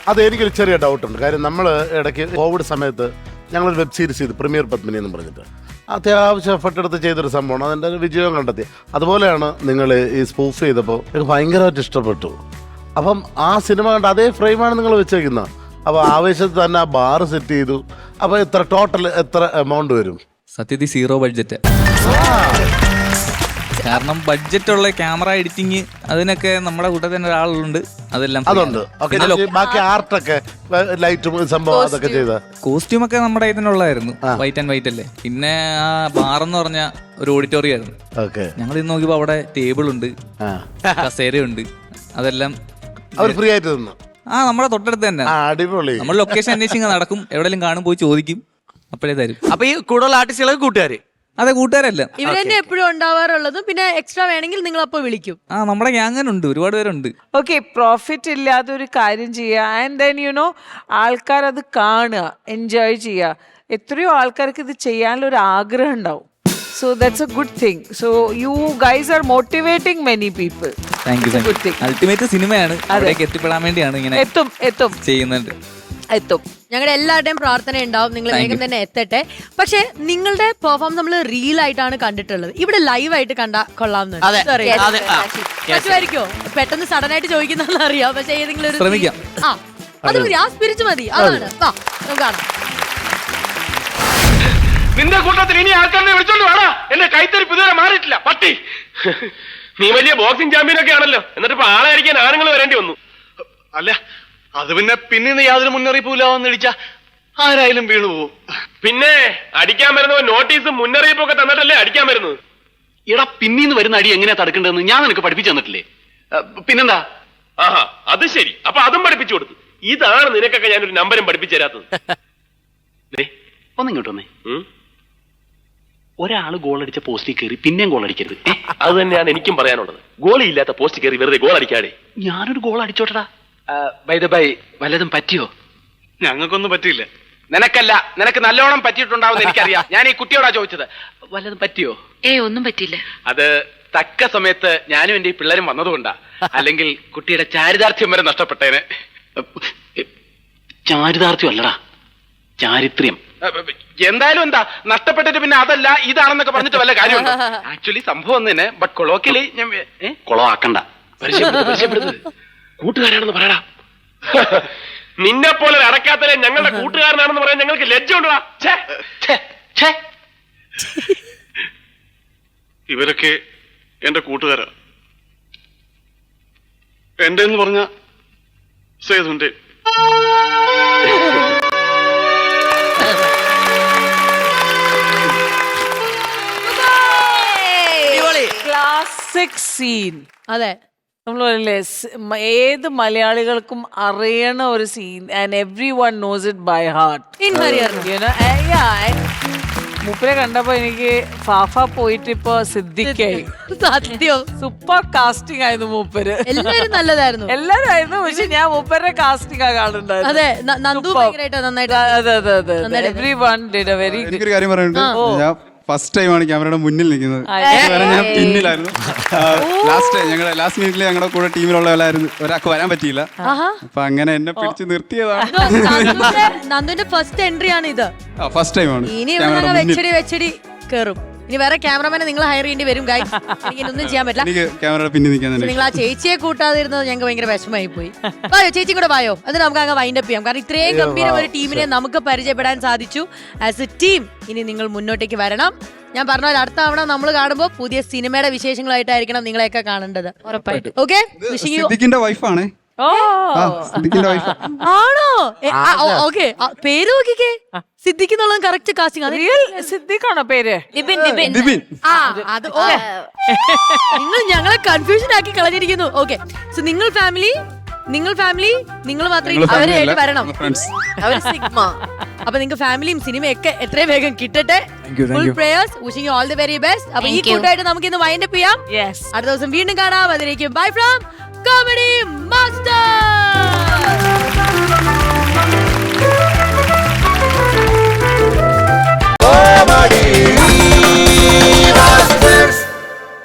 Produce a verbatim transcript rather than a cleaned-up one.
അത് എനിക്കൊരു ചെറിയ ഡൗട്ടുണ്ട്. കാര്യം നമ്മൾ ഇടയ്ക്ക് കോവിഡ് സമയത്ത് ഞങ്ങളൊരു വെബ് സീരീസ് ചെയ്തു, പ്രീമിയർ പത്മിനി എന്ന് പറഞ്ഞിട്ട്. അത്യാവശ്യം എഫർട്ട് എടുത്ത് ചെയ്തൊരു സംഭവമാണ്, അതിൻ്റെ ഒരു വിജയം കണ്ടെത്തി. അതുപോലെയാണ് നിങ്ങൾ ഈ സ്പൂഫ് ചെയ്തപ്പോൾ എനിക്ക് ഭയങ്കരമായിട്ട് ഇഷ്ടപ്പെട്ടു. അപ്പം ആ സിനിമ കണ്ട് അതേ ഫ്രെയിമാണ് നിങ്ങൾ വെച്ചേക്കുന്നത്. അപ്പോൾ ആവേശത്തിൽ തന്നെ ആ ബാർ സെറ്റ് ചെയ്തു. അപ്പോൾ എത്ര ടോട്ടൽ എത്ര എമൗണ്ട് വരും? സത്യത്തിൽ സീറോ ബഡ്ജറ്റ്. കാരണം ബഡ്ജറ്റുള്ള ക്യാമറ എഡിറ്റിങ് അതിനൊക്കെ നമ്മുടെ കൂട്ടത്തിൽ തന്നെ ഒരാളുണ്ട്, അതെല്ലാം അതുണ്ട്. ബാക്കി ആർട്ടൊക്കെ ലൈറ്റും സംഭവം അതൊക്കെ ചെയ്ത കോസ്റ്റ്യൂം ഒക്കെ നമ്മുടെ ഇതിനുള്ളതായിരുന്നു, വൈറ്റ് ആൻഡ് വൈറ്റ് അല്ലേ. പിന്നെ ആ ബാറെന്ന് പറഞ്ഞ ഒരു ഓഡിറ്റോറിയം ആയിരുന്നു. ഞങ്ങൾ ഇന്ന് നോക്കിയപ്പോ അവിടെ ടേബിൾ ഉണ്ട്, കസേരയുണ്ട്, അതെല്ലാം അവർ ഫ്രീ ആയിട്ട് തന്നു. ആ നമ്മുടെ തൊട്ടടുത്ത് തന്നെ. അടിപൊളി. നമ്മൾ ലൊക്കേഷൻ അന്വേഷിക്കാൻ നടക്കും, എവിടെയെങ്കിലും കാണും, പോയി ചോദിക്കും, അപ്പോഴേ തരും. അപ്പൊ ഈ കൂടുതൽ ആർട്ടിസ്റ്റുകളൊക്കെ കൂട്ടുകാര്? അതെ, കൂട്ടുകാരല്ല, ഇവർ തന്നെ എപ്പോഴും ഉണ്ടാവാറുള്ളതും. പിന്നെ എക്സ്ട്രാ വേണമെങ്കിൽ നിങ്ങൾ അപ്പൊ വിളിക്കും. ആ നമ്മുടെ ഗ്യാങ്ങനുണ്ട്, ഒരുപാട് പേരുണ്ട്. ഓക്കെ, പ്രോഫിറ്റ് ഇല്ലാതെ ഒരു കാര്യം ചെയ്യുക, ആൻഡ് ദെൻ യു നോ ആൾക്കാർ അത് കാണുക, എൻജോയ് ചെയ്യുക. എത്രയോ ആൾക്കാർക്ക് ഇത് ചെയ്യാനുള്ള ഒരു ആഗ്രഹം ഉണ്ടാവും. So that's a good thing. So you guys are motivating many people. Thank you. Ultimate സിനിമയാണ്, അതിലേക്ക് എത്തിപ്പെടാൻ വേണ്ടിയാണ് ഇങ്ങനെ എത്തും എത്തും ചെയ്യുന്നുണ്ട്. എത്തും. ഞങ്ങളുടെ എല്ലാവരുടെയും പ്രാർത്ഥന ഉണ്ടാവും നിങ്ങൾ വേഗം തന്നെ എത്തട്ടെ. പക്ഷെ നിങ്ങളുടെ പെർഫോം നമ്മൾ റീൽ ആയിട്ടാണ് കണ്ടിട്ടുള്ളത്, ഇവിടെ ലൈവ് ആയിട്ട് കണ്ടാ കൊള്ളാമെന്ന് പറ്റുമായിരിക്കോ? പെട്ടെന്ന് സഡൻ ആയിട്ട് ചോദിക്കുന്ന അറിയാം, പക്ഷെ ഏതെങ്കിലും ഒരു ശ്രമിക്കാം. ആ അത് മതി, ആ സ്പിരിറ്റ് മതി. അതാണ് കാണാം. നിന്റെ കൂട്ടത്തിൽ ഇനി ആൾക്കാരെ വിളിച്ചോണ്ട് വേണ. എന്റെ കൈത്തരിപ്പ് ഇതുവരെ മാറിയിട്ടില്ല പട്ടി. നീ വലിയ ബോക്സിംഗ് ചാമ്പ്യൻ ഒക്കെ ആണല്ലോ, എന്നിട്ട് ഇപ്പൊ ആളായിരിക്കാൻ ആണുങ്ങൾ വരേണ്ടി വന്നു. അല്ല, അത് പിന്നെ പിന്നീന്ന് യാതൊരു മുന്നറിയിപ്പില്ലാവെന്ന് ഇടിച്ച ആരായാലും വീണു പോവും. പിന്നെ അടിക്കാൻ വരുന്നവൻ നോട്ടീസും മുന്നറിയിപ്പും ഒക്കെ തന്നിട്ടല്ലേ അടിക്കാൻ വരുന്നത്. എടാ, പിന്നീന്ന് വരുന്ന അടി എങ്ങനെയാ തടുക്കേണ്ടതെന്ന് ഞാൻ നിനക്ക് പഠിപ്പിച്ചു തന്നിട്ടില്ലേ? പിന്നെന്താ? ആഹാ, അത് ശരി. അപ്പൊ അതും പഠിപ്പിച്ചു കൊടുത്തു. ഇതാണ് നിനക്കൊക്കെ ഞാനൊരു നമ്പരും പഠിപ്പിച്ചു തരാത്തത്. ഒന്നിങ്ങോട്ട് വന്നേ. ഒരാള് ഗോൾ അടിച്ച പോസ്റ്റിൽ കയറി പിന്നെയും ഗോൾ അടിക്കരുത്. അത് തന്നെയാണ് എനിക്കും പറയാനുള്ളത്. ഗോളി ഇല്ലാത്ത പോസ്റ്റ് കയറി വെറുതെ ഗോൾ അടിക്കാതെ. ഞാനൊരു ഗോൾ അടിച്ചോട്ടടാ. ബൈ ദ ബൈ, വല്ലതും പറ്റിയോ? ഞങ്ങൾക്കൊന്നും പറ്റിയില്ല. നിനക്കല്ല, നിനക്ക് നല്ലോണം പറ്റിയിട്ടുണ്ടാവും എനിക്കറിയാം. ഞാൻ ഈ കുട്ടിയോടാ ചോദിച്ചത്. വല്ലതും പറ്റിയോ? ഏ ഒന്നും പറ്റിയില്ല. അത് തക്ക സമയത്ത് ഞാനും എന്റെ ഈ പിള്ളേരും വന്നതുകൊണ്ടാ, അല്ലെങ്കിൽ കുട്ടിയുടെ ചാരിതാർത്ഥ്യം വരെ നഷ്ടപ്പെട്ടേനെ. ചാരിതാർത്ഥ്യം അല്ലടാ, ചാരിത്രം. എന്തായാലും എന്താ നഷ്ടപ്പെട്ടിട്ട് പിന്നെ അതല്ല ഇതാണെന്നൊക്കെ പറഞ്ഞിട്ട് വല്ല കാര്യമുണ്ടോ? ആക്ച്വലി സംഭവം ഒന്നിനെ, ബട്ട് കൊളോക്കിലി കൊളവാക്കണ്ട. കൂട്ടുകാരാണെന്ന് പറയടാ. നിന്നെ പോലെ അടക്കാത്തലെ ഞങ്ങളുടെ കൂട്ടുകാരനാണെന്ന് പറയാൻ ഞങ്ങൾക്ക് ലജ്ജ ഉണ്ടോ? ഇവരൊക്കെ എന്റെ കൂട്ടുകാരാ. എന്റെ എന്ന് പറഞ്ഞ സേതുന്റെ. Classic scene. അതെ, നമ്മളല്ലേ ഏത് മലയാളികൾക്കും അറിയണ ഒരു scene, and everyone knows it by heart. മൂപ്പരെ കണ്ടപ്പോ എനിക്ക് ഫാഫ പോയിട്ട് ഇപ്പൊ സിദ്ദിഖായി. സത്യം സൂപ്പർ കാസ്റ്റിംഗ് ആയിരുന്നു മൂപ്പര്. എല്ലാരും നല്ലതായിരുന്നു, എല്ലാരും ആയിരുന്നു. പക്ഷെ ഞാൻ മൂപ്പരുടെ കാസ്റ്റിംഗ് ആ കാണുന്നുണ്ടായിരുന്നു. അതെ, നന്ദു ഭയങ്കരമായിട്ട് നന്നായിട്ട്. അതെ അതെ അതെ, everyone did a very. എനിക്കൊരു കാര്യം പറയാനുണ്ട്. ഞാൻ ഫസ്റ്റ് ടൈമാണ് ക്യാമറയുടെ മുന്നിൽ നിൽക്കുന്നത്. ഞാൻ പിന്നിലായിരുന്നു. ലാസ്റ്റ് ഞങ്ങളുടെ ലാസ്റ്റ് മിനിറ്റിൽ ഞങ്ങളുടെ കൂടെ ടീമിലുള്ള ഒരാൾക്ക് വരാൻ പറ്റിയില്ല. അപ്പൊ അങ്ങനെ എന്നെ പിടിച്ച് നിർത്തിയതാണ്. നന്ദുവിന്റെ ഫസ്റ്റ് എൻട്രി ആണ് ഇത്. ഫസ്റ്റ് ടൈമാണ്. ഇനി വെച്ചടി വെച്ചടി കേറും. ഇനി വേറെ ക്യാമറമാനെ നിങ്ങൾ ഹയർ ചെയ്യേണ്ടി വരും. ഗൈസ്, എനിക്കൊന്നും ചെയ്യാൻ പറ്റില്ല. എനിക്ക് ക്യാമറയുടെ പിന്നിൽ നിൽക്കാൻ തന്നെ. നിങ്ങൾ ആ ചേച്ചിയെ കൂട്ടാതിരുന്നത് ഞങ്ങൾക്ക് ഭയങ്കര വിഷമമായി പോയി. വായോ ചേച്ചി കൂടെ വായോ, എന്നിട്ട് നമുക്ക് അങ്ങ് വൈൻഡ് അപ്പ് ചെയ്യാം. കാരണം ഇത്രയും ഗംഭീരം ഒരു ടീമിനെ നമുക്ക് പരിചയപ്പെടാൻ സാധിച്ചു ആസ് എ ടീം. ഇനി നിങ്ങൾ മുന്നോട്ടേക്ക് വരണം. ഞാൻ പറഞ്ഞ പോലെ അടുത്ത തവണ നമ്മൾ കാണുമ്പോൾ പുതിയ സിനിമയുടെ വിശേഷങ്ങളായിട്ടായിരിക്കണം നിങ്ങളെയൊക്കെ കാണേണ്ടത്. ഉറപ്പായിട്ടും. ഓക്കെ, സിദ്ദിഖിന്റെ വൈഫാണ്. ആണോ? ഓക്കെ, പേര് നോക്കിക്കേ. സിദ്ദിഖ് എന്നുള്ളത് കറക്റ്റ് കാസ്റ്റിംഗ്. റിയൽ സിദ്ദിഖാണോ പേര്? നിങ്ങൾ ഞങ്ങളെ കൺഫ്യൂഷൻ ആക്കി കളഞ്ഞിരിക്കുന്നു. ഓക്കെ, സോ നിങ്ങൾ ഫാമിലി നിങ്ങൾ ഫാമിലി നിങ്ങൾ മാത്രമേ അവരായിട്ട് വരണം. അപ്പൊ നിങ്ങൾക്ക് ഫാമിലിയും സിനിമയൊക്കെ എത്രയും വേഗം കിട്ടട്ടെ. Full prayers, wishing you all the very best. അപ്പൊ ഈ കൂട്ടായിട്ട് നമുക്ക് ഇന്ന് വൈൻഡ് അപ്പ് ചെയ്യാം. അടുത്ത ദിവസം വീണ്ടും കാണാം. അതിലേക്കും bye from comedy master. Oh my